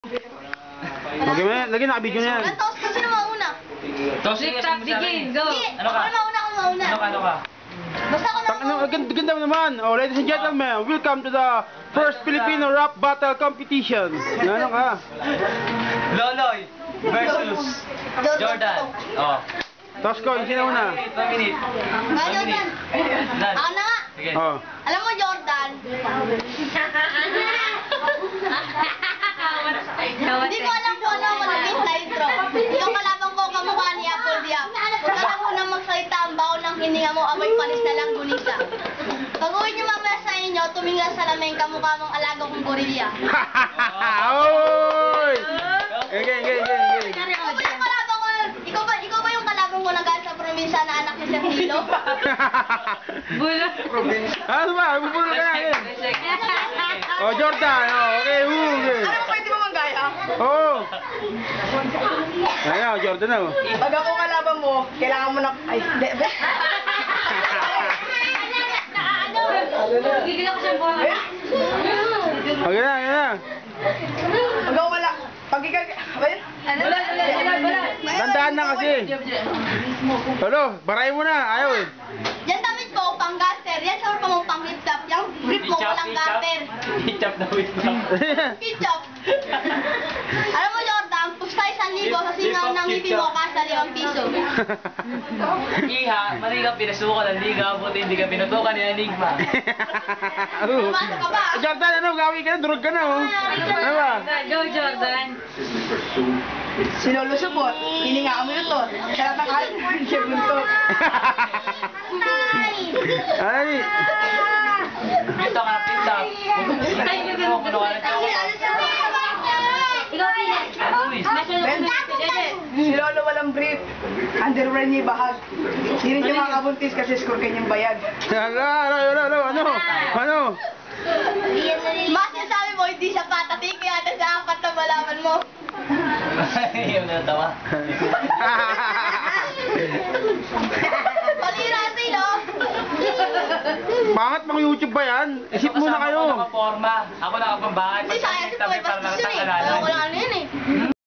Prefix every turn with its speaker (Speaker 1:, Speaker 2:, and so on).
Speaker 1: Okay, lagi naka-video na yan.
Speaker 2: Tapos kasi na mauna.
Speaker 3: Toxic tap, begin, go!
Speaker 2: Ano ka? Ako mauna.
Speaker 3: Ano ka?
Speaker 2: Basta ako na mauna.
Speaker 1: Ganda mo naman. Oh, ladies and gentlemen, welcome to the first Filipino rap battle competition. Ano ka?
Speaker 3: Loloy versus Jordan. Oh.
Speaker 1: Tosco, yung sino una?
Speaker 3: 1 minute.
Speaker 2: Nga, Jordan. Ako na nga.
Speaker 3: Sige.
Speaker 1: Oh.
Speaker 2: Alam mo, Jordan. Hindi ko alam kung ano ako naging sa intro. Yung kalabang ko kamukha ni Apple Diab. Kung alam mo na magsalita ang baon ng hininga mo, amoy panis na lang gunisa. Pag uwi niyo mamaya sa inyo, tumingin sa lameng kamukha mong alaga kong gorilla.
Speaker 1: Oy! Okay.
Speaker 2: Ikaw ba yung kalabang ko nagalit sa probinsya na anak ni Sir Hilo?
Speaker 3: Bulo.
Speaker 1: Ano ba? Bubulong ka na yun. Oh, Jordan. Oh, okay. Okay.
Speaker 4: Ano mo pwede mo manggaya?
Speaker 1: Oh. Ayan, Jordan na. Oh.
Speaker 4: Pag ako kalaban mo, kailangan mo na... Ay, hindi.
Speaker 3: Gigil ako sa buwan.
Speaker 1: Okay na.
Speaker 4: Pag ako wala... Pag ikaw...
Speaker 3: Wala.
Speaker 1: Tandaan na kasi. Hello, baray mo na. Ayaw eh.
Speaker 2: Yan damit ko, pang gaster. Yan sa pa mong pang hip-top. Yung grip mo, walang gaster.
Speaker 3: Hitchap na wait lang.
Speaker 2: Ketchup. Alam mo, Jordan, pusta 1,000 sa singaw ng ngipin mo kasa 5 piso.
Speaker 3: Iha, mali ka pinasukan ng liga, buti hindi ka pinutukan ni Enigma.
Speaker 2: Pumasok ka ba?
Speaker 1: Jordan, ano? Gawin ka na. Durog ka na. Oh. Ano ba?
Speaker 3: Go, Jordan.
Speaker 4: Sinulusupot, hininga mo ito. Kaya takal, siya buntot.
Speaker 1: Ay.
Speaker 3: Ito ka na pinta. Ikaw
Speaker 4: Si Lolo walang brief. Underwear niya bahag. Hindi rin siya makakabuntis kasi score kanyang bayad.
Speaker 1: Ano?
Speaker 2: Mas sabi mo, hindi siya patatik, kaya sa apat na malaman mo.
Speaker 3: Yung natawa.
Speaker 2: Palira sa'yo.
Speaker 1: Pangat mga YouTube ba yan? Isip muna kayo.
Speaker 3: Ako nakaporma. Ako nakapambahay.
Speaker 2: Hindi, sayang si Boy, bastos yun eh. Wala ko lang ano yun eh.